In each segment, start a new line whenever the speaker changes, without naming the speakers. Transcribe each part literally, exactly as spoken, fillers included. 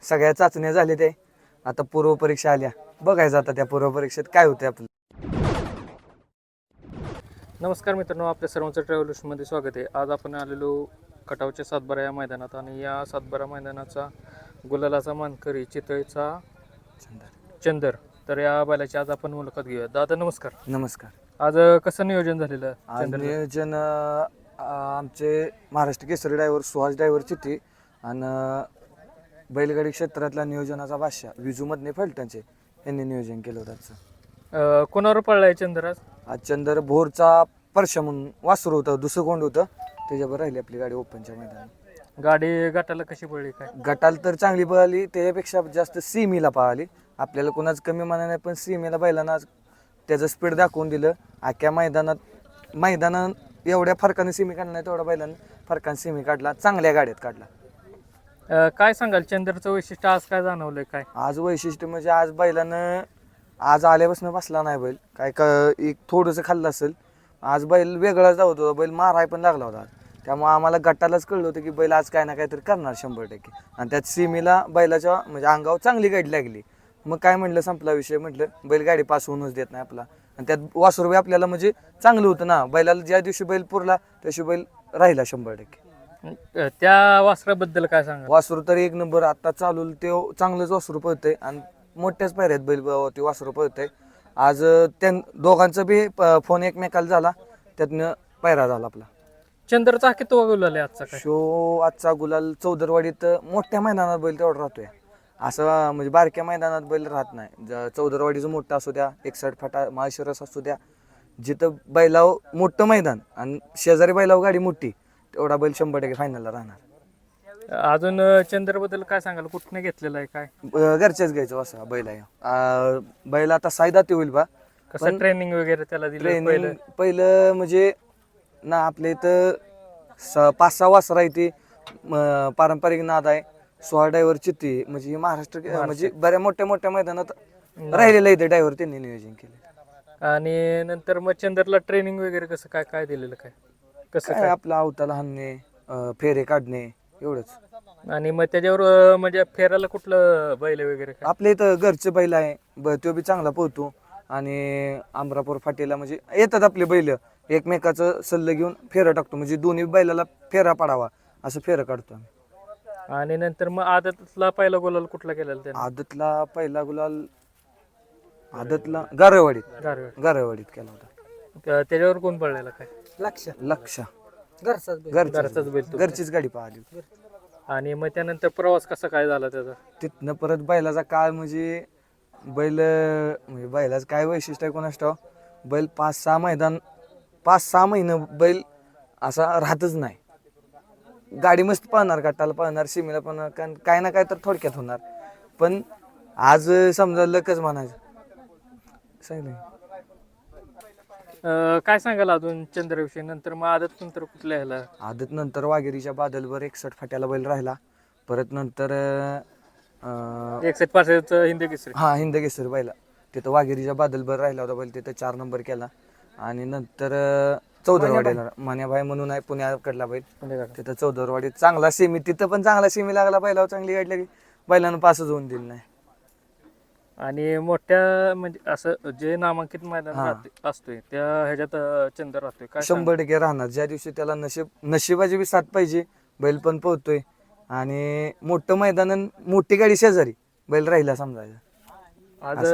सगळ्या चाचण्या झाल्या ते आता पूर्व परीक्षा आल्या बघायचं आता त्या पूर्व परीक्षेत काय होते आपलं.
नमस्कार मित्रांनो, आपल्या सर्वांचं ट्रॅव्हल्समध्ये स्वागत आहे. आज आपण आलेलो खटावच्या सातबारा या मैदानात आणि या सातबारा मैदानाचा गुलालाचा मानकरी चितळेचा चंदर. तर या बैलाची आज आपण मुलाखत घेऊया. दादा नमस्कार.
नमस्कार.
आज कसं नियोजन झालेलं?
आज नियोजन अं, आमचे महाराष्ट्र केसरी ड्रायव्हर सुहास ड्रायव्हर चिठ्ठी आणि बैलगाडी क्षेत्रातला नियोजनाचा बादशाह विजूमधने फलटणचे यांनी नियोजन केलं होतं आजचं.
कोणावर पळलाय चंदर आज?
आज चंदर भोरचा परश म्हणून वासरू होतं, दुसरं कोंड होतं, त्याच्यावर राहिली आपली गाडी ओपनच्या मैदानात.
गाडी गटाला कशी पडली काय?
गटाला तर चांगली पळाली, त्याच्यापेक्षा जास्त सीमीला पळाली. आपल्याला कोणाच कमी माना नाही, पण सीमेला बैलांना त्याचं स्पीड दाखवून दिलं. अख्ख्या मैदानात मैदानात एवढ्या फरकाने सीमी काढला नाही तेवढ्या बैलांना फरकाने सीमी काढला, चांगल्या गाड्यात काढला.
काय सांगाल चंदरचं वैशिष्ट्य आज काय जाणवलंय काय?
आज वैशिष्ट्य म्हणजे आज बैलानं आज आल्यापासून बसला नाही बैल, काय क एक थोडंसं खाल्लं असेल. आज बैल वेगळाच धावत होता, बैल माराय पण लागला होता. त्यामुळे आम्हाला गटालाच कळलं होतं की बैल आज काय ना काहीतरी करणार शंभर टक्के. आणि त्यात सीमेला बैलाच्या म्हणजे अंगावर चांगली गाडी लागली. मग काय म्हटलं, संपला विषय. म्हटलं बैल गाडी पास होऊनच देत नाही आपला. आणि त्यात वासरू आपल्याला म्हणजे चांगलं होतं ना, बैलाला ज्या दिवशी बैल पुरला त्या दिवशी बैल राहिला शंभर टक्के.
त्या वासराबद्दल काय सांगा?
वासरू तर एक नंबर आता चालू, ते चांगलंच वासरू पळतंय आणि मोठ्याच पायऱ्यात बैल ते वासरू पळतंय. आज त्या दोघांचा बी फोन एकमेकाला झाला, त्यातनं पायरा झाला आपला.
चंद्रचा किती गुलाल आहे आजचा काय?
शो आजचा गुलाल चौदरवाडीत मोठ्या मैदानात बैल तेवढा राहतोय, असं म्हणजे बारक्या मैदानात बैल राहत नाही. चौदरवाडीचं मोठं असू द्या, एकसठ फाटा माळशिरस असू द्या, जिथं बैलाव मोठं मैदान आणि शेजारी बैलाव गाडी मोठी, तेवढा बैल शंभर टक्के फायनलला राहणार.
अजून चंद्रबद्दल काय सांगाल? कुठनं घेतलेलं आहे काय?
घरच्याच घ्यायचं असं बैल आहे. बैल आता सायदा ते होईल बा.
कसं ट्रेनिंग वगैरे त्याला दिलं?
ट्रेनिंग पहिलं म्हणजे ना आपल्या इथं स पाच सहा वासरा आहे ती पारंपरिक नाद आहे. सोळा ड्रायव्हर चित्ती म्हणजे महाराष्ट्र म्हणजे बऱ्या मोठ्या मोठ्या मैदानात राहिलेलं इथे ड्रायव्हर त्यांनी नियोजन केलं.
आणि नंतर मग चंद्रला ट्रेनिंग वगैरे कसं काय काय दिलेलं काय? कसं
काय आपलं अवताला हाणणे, फेरे काढणे एवढंच.
आणि मग त्याच्यावर म्हणजे फेरायला कुठलं बैल वगैरे काय?
आपल्या इथं घरचे बैल आहे, तो बी चांगला पोहतो. आणि अमरापूर फाटीला म्हणजे येतात आपले बैल, एकमेकाचं सल्लं घेऊन फेरा टाकतो, म्हणजे दोन्ही बैलाला फेरा पडावा असं फेरा काढतो आम्ही.
आणि नंतर मग आदतला पहिला गुलाल कुठला केलेला त्याने?
आदतला पहिला गुलाल आदतला गारवाडीत
गारवेड
गारवाडीत केला होता.
त्याच्यावर कोण पडलेला काय?
लक्ष लक्ष
घरचाच बैल तो.
घरचीच गाडी पाहिली.
आणि मग त्यानंतर प्रवास कसा काय झाला त्याचा?
तिथनं परत बैलाचा काळ म्हणजे बैल म्हणजे बैलाचं काय वैशिष्ट्य आहे कोणास ठाऊक, बैल पाच सहा मैदान पाच सहा महिने बैल असा राहतच नाही. गाडी मस्त पळणार, गटाला पळणार, सीमेला पळणार, कारण काय ना काय तर थोडक्यात होणार. पण आज समजा लकच म्हणायचं सांगितलं.
काय सांगाल अजून चंद्रविषयी? नंतर मग आदत नंतर कुठल्या ह्याला?
आदत नंतर वाघेरीच्या बादलवर एकसठ फाट्याला बैल राहिला. परत नंतर
एकसठ पासष्टचं हिंदी केसरी.
हा हिंद केसरी बैला तिथं वाघेरीच्या बादलवर राहिला होता बैल, तिथं चार नंबर केला. आणि नंतर चौदरवाडीला मान्याभाई म्हणून आहे पुण्याकडला बैल, तिथं चौदरवाडीत चांगला सेमी, तिथं पण चांगला सेमी लागला बैलावर, चांगली गाडी लागली, बैलानं पासच होऊन दिलं नाही.
आणि मोठ्या म्हणजे असं जे नामांकित मैदान असतोय त्या ह्याच्यात चंद्र राहतोय काय?
शंभर टक्के राहणार. ज्या दिवशी त्याला नशीब नशिबाची बी साथ पाहिजे, बैल पण पोहतोय. आणि मोठं मैदान मोठी गाडी शेजारी बैल राहिला समजायचं.
आज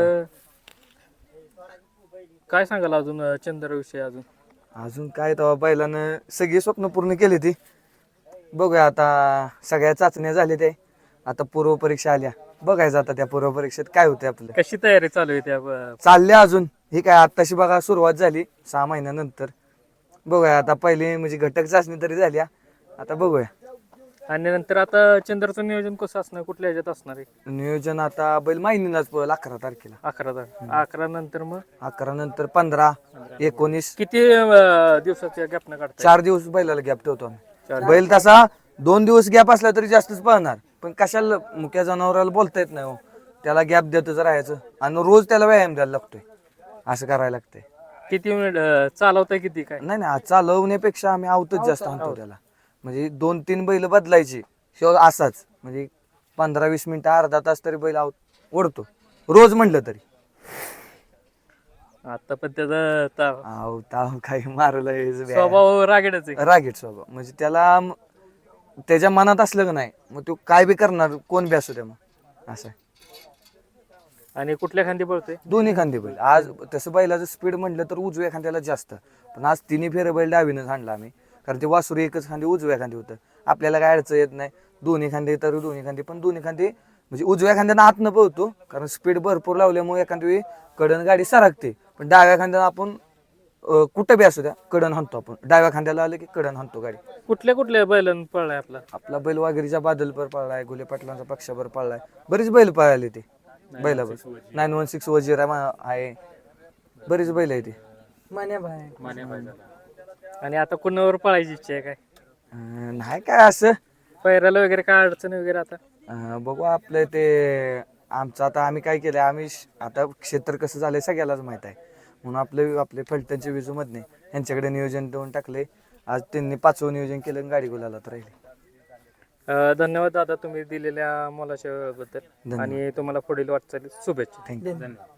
काय सांगाल अजून चंद्रविषयी? अजून
अजून काय तेव्हा बैलानं सगळी स्वप्न पूर्ण केली ती. बघूया आता सगळ्या चाचण्या झाल्या ते आता पूर्व परीक्षा आल्या, बघायचं आता त्या पूर्व परीक्षेत काय होते आपलं.
कशी तयारी चालू आहे त्या?
चालल्या अजून ही काय आत्ताशी बघा सुरुवात झाली सहा महिन्यानंतर. बघूया आता पहिली म्हणजे घटक चाचणी तरी झाल्या, आता बघूया.
आणि नंतर आता चंद्रचं नियोजन कसं असणार? कुठल्या ह्याच्यात असणार आहे
नियोजन? आता बैल माहिनीलाच पळेल अकरा तारखेला.
अकरा तारखे अकरा नंतर मग
अकरा नंतर पंधरा एकोणीस
किती दिवसाच्या गॅपनं काढतात?
चार दिवस बैलाला गॅप ठेवतो आम्ही. बैल तसा दोन दिवस गॅप असला तरी जास्तच पळणार, पण कशाला मुक्या जनावराला बोलता येत नाही हो, त्याला गॅप देतच राहायचं आणि रोज त्याला व्यायाम द्यायला लागतोय, असं करायला लागतंय.
किती मिनिट चालवताय किती काय?
नाही नाही चालवण्यापेक्षा आम्ही आवतच जास्त आणतो त्याला, म्हणजे दोन तीन बैल बदलायची शिवाय असाच म्हणजे पंधरा वीस मिनिटं अर्धा तास तरी बैल आव ओढतो रोज म्हटलं तरी.
आता पण त्याचा ता-
आव ताव काही मारलं
स्वभाव रागेडच आहे.
रागीट स्वभाव म्हणजे त्याला म- त्याच्या मनात असलं का नाही मग तो काय बी करणार कोण बी असू द्या मग असं आहे.
आणि कुठल्या खांदी पळतोय?
दोन्ही खांदे बैल आज तसं बैलाचं स्पीड म्हटलं तर उजव्या खांद्याला जास्त, पण आज तिन्ही फेरे बैल डावीनच हाणला आम्ही, कारण ते वासुरी एकच खांदी उजव्या खांदी होतं. आपल्याला काय अडचण येत नाही, दोन्ही खांदे तर दोन्ही खांदे, पण दोन्ही खांदे म्हणजे उजव्या खांद्यानं आतनं पळतो कारण स्पीड भरपूर लावल्यामुळे एखाद्या वेळी कडन गाडी सरकते, पण डाव्या खांद्यानं आपण अं, कुठं बी असू द्या कडन हाणतो आपण, डाव्या खांद्याला आलं की कडन हाणतो गाडी.
कुठल्या कुठल्या बैलांना पळलाय आपला?
आपला बैल वाघिरीच्या बादलपर पळलाय, गुले पाटलांचा पक्षावर पळलाय, बरीच बैल पळाले ते बैलावर. नाईन वन सिक्स वजीरा मा- आहे, बरीच बैल आहे ते.
आणि आता कुणावर पळायची इच्छा आहे काय?
अं, नाही काय असं
पैराला वगैरे काय अडचण वगैरे आता?
अं, बघू आपलं ते आमचं आता आम्ही काय केलंय, आम्ही श- आता क्षेत्र कसं झालंय सगळ्यालाच माहित आहे, म्हणून आपले आपले फलटणचे विजू मधने यांच्याकडे नियोजन देऊन टाकले. आज त्यांनी पाचवं नियोजन केलं आणि गाडी गुलाला तर राहिली.
अं, धन्यवाद दादा तुम्ही दिलेल्या मोलाच्या वेळेबद्दल
धन्यवाद.
आणि तुम्हाला पुढील वाटचालीत शुभेच्छा.
थँक्यू.